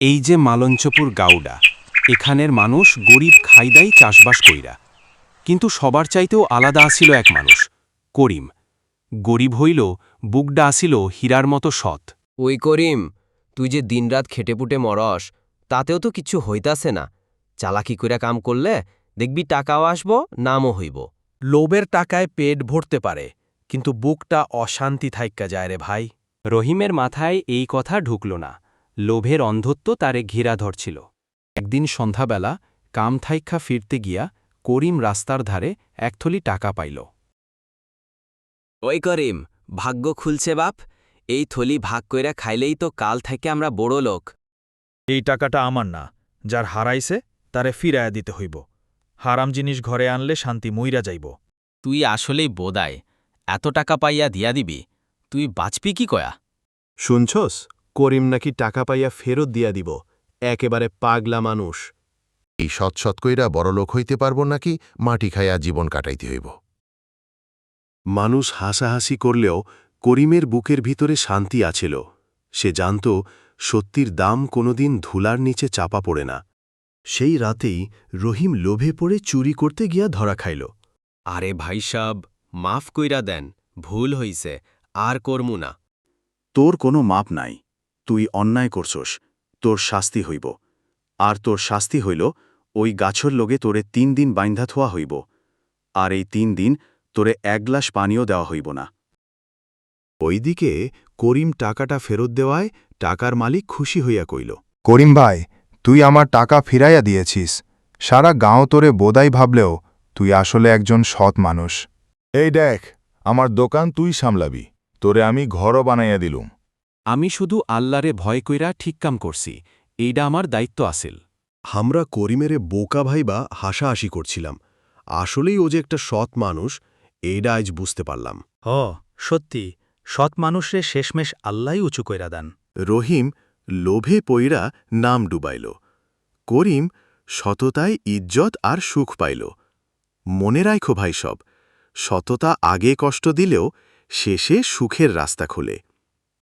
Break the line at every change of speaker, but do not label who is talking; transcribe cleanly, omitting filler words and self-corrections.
এই যে মালঞ্চপুর গাউডা, এখানের মানুষ গরিব খাইদাই চাষবাস কইরা। কিন্তু সবার চাইতেও আলাদা আসিল এক মানুষ, করিম। গরিব হইল, বুকডা আসিল হীরার মতো সৎ।
ওই করিম, তুই যে দিনরাত খেটেপুটে মরস, তাতেও তো কিছু হইতাছে না। চালাকি কইরা কাম করলে দেখবি টাকাও আসব, নামও হইব।
লোভের টাকায় পেট ভরতে পারে, কিন্তু বুকটা অশান্তি থাইক্কা যায় রে ভাই।
রহিমের মাথায় এই কথা ঢুকল না। লোভের অন্ধত্ব তারে ঘিরা ধরছিল। একদিন সন্ধ্যাবেলা কাম থাইক্কা ফিরতে গিয়া করিম রাস্তার ধারে একথলি টাকা পাইল।
ওই করিম, ভাগ্য খুলছে বাপ। এই থলি ভাগ কইরা খাইলেই তো কাল থেকে আমরা বড় লোক।
এই টাকাটা আমার না, যার হারাইছে তারে ফিরাইয়া দিতে হইব। হারাম জিনিস ঘরে আনলে শান্তি মইরা যাইব।
তুই আসলেই বোদায়, এত টাকা পাইয়া দিয়া দিবি, তুই বাঁচবি কি কয়া?
শুনছস, করিম নাকি টাকা পাইয়া ফেরত দিয়া দিব। একেবারে পাগলা মানুষ।
এই সৎ কইরা বড়লোক হইতে পারব নাকি মাটি খাইয়া জীবন কাটাইতে হইব?
মানুষ হাসাহাসি করলেও করিমের বুকের ভিতরে শান্তি আছিল। সে জানত সত্যির দাম কোনোদিন ধুলার নিচে চাপা পড়ে না। সেই রাতেই রহিম লোভে পড়ে চুরি করতে গিয়া ধরা খাইল।
আরে ভাই সাব, মাফ কইরা দেন, ভুল হইছে, আর করমু না।
তোর কোনো মাপ নাই। তুই অন্যায় করছস, তোর শাস্তি হইব। আর তোর শাস্তি হইল ওই গাছর লগে তোরে ৩ দিন বাইন্ধা থোয়া হইব। আর এই ৩ দিন তোরে ১ গ্লাস পানিও দেওয়া হইব না। ওইদিকে করিম টাকাটা ফেরত দেওয়ায় টাকার মালিক খুশি হইয়া কইল,
করিম ভাই, তুই আমার টাকা ফিরাইয়া দিয়েছিস। সারা গাঁও তোরে বোদাই ভাবলেও তুই আসলে একজন সৎ মানুষ।
এই দেখ, আমার দোকান তুই সামলাবি, তোরে আমি ঘরও বানাইয়া দিলুম।
আমি শুধু আল্লাহরে ভয় কইরা ঠিক কাম করছি, এইডা আমার দায়িত্ব আসিল।
আমরা করিমেরে বোকা ভাইবা হাসাহাসি করছিলাম। আসলেই ও যে একটা সৎ মানুষ, এইডা আজ বুঝতে পারলাম।
সত্যি, সৎ মানুষরে শেষমেশ আল্লাই উঁচু কইরা দেন।
রহিম লোভে পইরা নাম ডুবাইল। করিম সততায় ইজ্জত আর সুখ পাইল। মনে রাখো ভাই সব, সততা আগে কষ্ট দিলেও শেষে সুখের রাস্তা খোলে।